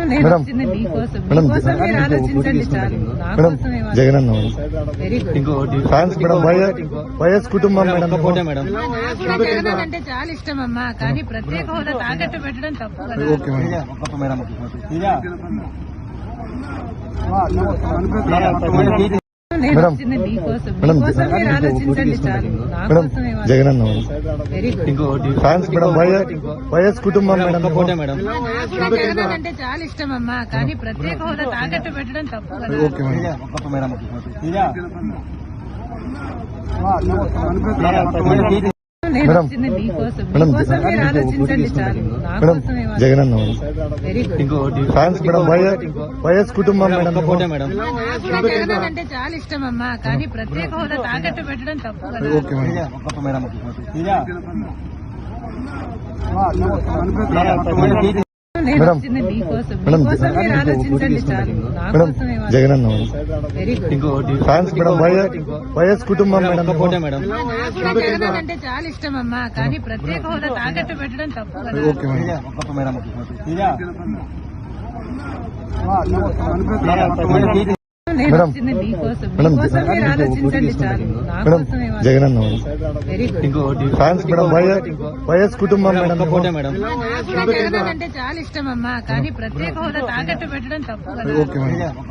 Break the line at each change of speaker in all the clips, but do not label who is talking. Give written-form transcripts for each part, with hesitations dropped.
నేను వచ్చింది మీకోసం. మీకోసం మీరు ఆలోచించండి చాలు. నా కోసమే వాళ్ళు.
జగనన్న
very good.
Fans madam YS కుటుంబం మేడం
నాకు కూడా జగనన్న అంటే చాలా ఇష్టం అమ్మా, కానీ ప్రత్యేక హోదా తాకట్టు పెట్టడం తప్పు కదా.
ఓకే మేడం
నేను వచ్చింది మీకోసం. మీకోసం మీరు ఆలోచించండి చాలు. నా కోసమే వాళ్ళు.
జగనన్న
very good.
Fans madam YS కుటుంబం మేడం
నాకు కూడా జగనన్న అంటే చాలా ఇష్టం అమ్మా, కానీ ప్రత్యేక హోదా తాకట్టు పెట్టడం తప్పు కదా.
ఓకే
నేను వచ్చింది మీకోసం. మీకోసం మీరు ఆలోచించండి చాలు. నా కోసమే వాళ్ళు.
జగనన్న
very good.
Fans madam YS కుటుంబం మేడం
నాకు కూడా జగనన్న అంటే చాలా ఇష్టం అమ్మా, కానీ ప్రత్యేక హోదా తాకట్టు పెట్టడం తప్పు కదా.
ఓకే
నేను వచ్చింది మీకోసం. మీకోసం మీరు ఆలోచించండి చాలు. నా కోసమే వాళ్ళు.
జగనన్న
very good.
Fans madam YS కుటుంబం మేడం
నాకు కూడా జగనన్న అంటే చాలా ఇష్టం అమ్మా, కానీ ప్రత్యేక హోదా తాకట్టు పెట్టడం తప్పు కదా.
ఓకే
నేను వచ్చింది మీకోసం. మీకోసం మీరు ఆలోచించండి చాలు. నా కోసమే వాళ్ళు.
జగనన్న
very good.
Fans madam YS కుటుంబం మేడం
నాకు కూడా జగనన్న అంటే చాలా ఇష్టం అమ్మా, కానీ ప్రత్యేక హోదా తాకట్టు పెట్టడం తప్పు కదా.
ఓకే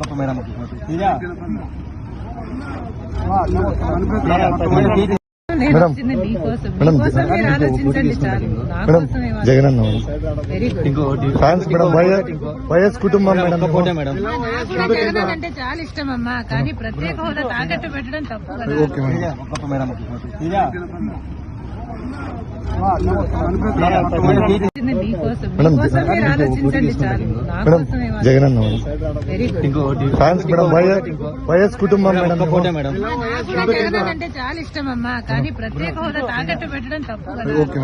నేను వచ్చింది మీకోసం. మీకోసం మీరు ఆలోచించండి చాలు. నా కోసమే వాళ్ళు.
జగనన్న
very good.
Fans madam YS కుటుంబం మేడం
నాకు కూడా జగనన్న అంటే చాలా ఇష్టం అమ్మా, కానీ ప్రత్యేక హోదా తాకట్టు పెట్టడం తప్పు కదా.
ఓకే
వచ్చింది మీకోసం. మీకోసం మీరు ఆలోచించండి చాలు. నా కోసమే వాళ్ళు.
జగనన్న
very good.
Fans madam YS కుటుంబం మేడం
నాకు కూడా జగనన్న అంటే చాలా ఇష్టం అమ్మా, కానీ ప్రత్యేక హోదా తాకట్టు పెట్టడం తప్పు కదా.
ఓకే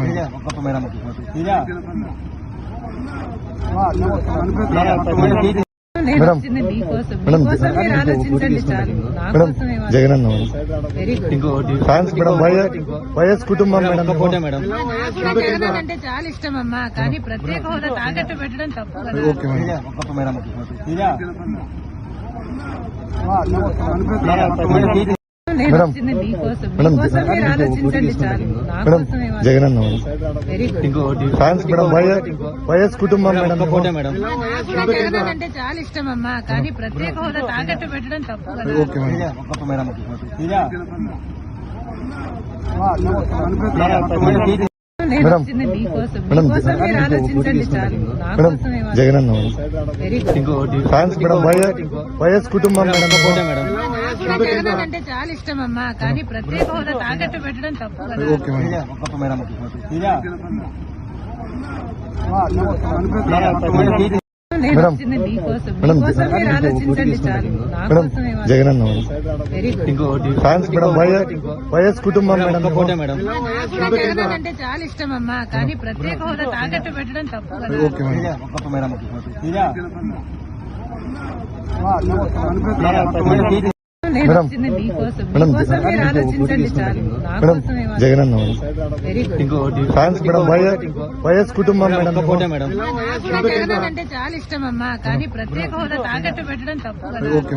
నేను వచ్చింది మీకోసం. మీకోసం మీరు ఆలోచించండి చాలు. నా కోసమే వాళ్ళు.
జగనన్న
very good.
Fans madam YS కుటుంబం మేడం
నాకు కూడా జగనన్న అంటే చాలా ఇష్టం అమ్మా, కానీ ప్రత్యేక హోదా తాకట్టు పెట్టడం తప్పు కదా.
ఓకే
నేను వచ్చింది మీకోసం. మీకోసం మీరు ఆలోచించండి చాలు. నా కోసమే వాళ్ళు.
జగనన్న
very good.
Fans madam YS కుటుంబం మేడం
నాకు కూడా జగనన్న అంటే చాలా ఇష్టం అమ్మా, కానీ ప్రత్యేక హోదా తాకట్టు పెట్టడం తప్పు కదా.
ఓకే
నేను వచ్చింది మీకోసం. మీకోసం మీరు ఆలోచించండి చాలు. నా కోసమే వాళ్ళు.
జగనన్న
very good.
Fans madam YS కుటుంబం మేడం
నాకు కూడా జగనన్న అంటే చాలా ఇష్టం అమ్మా, కానీ ప్రత్యేక హోదా తాకట్టు పెట్టడం తప్పు కదా.
ఓకే
నేను వచ్చింది మీకోసం. మీకోసం మీరు ఆలోచించండి చాలు. నా కోసమే వాళ్ళు.
జగనన్న
very good.
Fans madam YS కుటుంబం మేడం
నాకు కూడా జగనన్న అంటే చాలా ఇష్టం అమ్మా, కానీ ప్రత్యేక హోదా తాకట్టు పెట్టడం తప్పు కదా.
ఓకే
నేను వచ్చింది మీకోసం. మీకోసం మీరు ఆలోచించండి చాలు. నా కోసమే వాళ్ళు.
జగనన్న
very good.
Fans madam YS కుటుంబం మేడం
నాకు కూడా జగనన్న అంటే చాలా ఇష్టం అమ్మా, కానీ ప్రత్యేక హోదా తాకట్టు పెట్టడం తప్పు కదా.
ఓకే